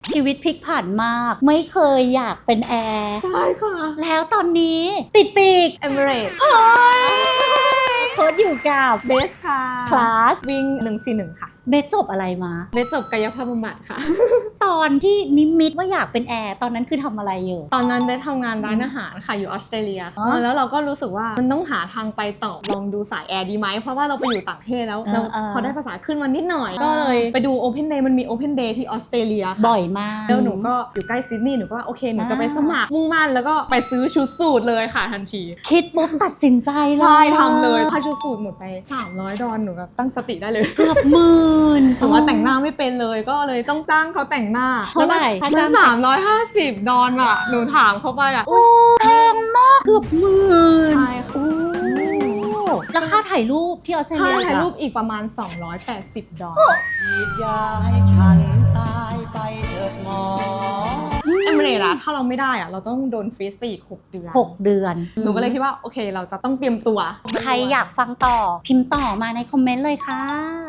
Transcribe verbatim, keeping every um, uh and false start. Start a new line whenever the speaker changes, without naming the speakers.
ชีวิตพลิกผันมากไม่เคยอยากเป็นแอร์
ใช่ค่ะ
แล้วตอนนี้ติดปีก
Emirates
โค้ชอยู่กับ
เบสค่ะ
คลาส
วิ่งหนึ่งสี่หนึ่งค่ะ
เบสจบอะไรมา
เบสจบกายภาพบำบัดค่ะ
ตอนที่นิมิตว่าอยากเป็นแอร์ตอนนั้นคือทำอะไรอยู่
ตอนนั้นเบสทำงานร้านอาหารค่ะอยู่ออสเตรเลีย
อ๋อ
แล้วเราก็รู้สึกว่ามันต้องหาทางไปต่อลองดูสายแอร์ดีไหมเพราะว่าเราไปอยู่ต่างประเทศแล้ว
เออ
เรา
เออ
พอได้ภาษาขึ้นมานิดหน่อย
อ่า
ก็เลยไปดู Open Day มันมี Open Day ที่ออสเตรเลียค่ะ
บ่อยมาก
แล้วหนูก็อยู่ใกล้ซิดนีย์หนูก็ว่าโอเคหนูจะไป
อ่า
สมัครมุ่งมั่นแล้วก็ไปซื้อชุดสูทเลยค่ะทันที
คิดปุ๊บตัดสินใจเลย
ใช่ทำเลยค่าชุดสูทหมดไปสามร้อยดอลหนูแบบตั้งสติได้เลย
เกือบหมื่น
หนูว่าแต่งหน้าไม่เป็นเลยก็เลยต้องจ้างเขาแต่งหน้า
เท่าไหร่
แล้วมัน
ค่าจ้าง
สามร้อยห้าสิบดอลอะหนูถามเขาไปอะ
โอ้แพงมากเกือบหมื่น
ใช่ค่ะ
โอ้แล้วค่าถ่ายรูปที่ออสเตร
ค่า
เลีย
ถ่ายรูป
ล่ะ
อีกประมาณสองร้อยแปดสิบดอล
ฉีดยาให้ฉันตายไปเถิดหมอ
เอมิเรตส์อะถ้าเราไม่ได้อะเราต้องโดนฟรีซไปอีกหกเดือน
หกเดือน
หนูก็เลยคิดว่าโอเคเราจะต้องเตรียมตัว
ใครอยากฟังต่อพิมพ์ต่อมาในคอมเมนต์เลยค่ะ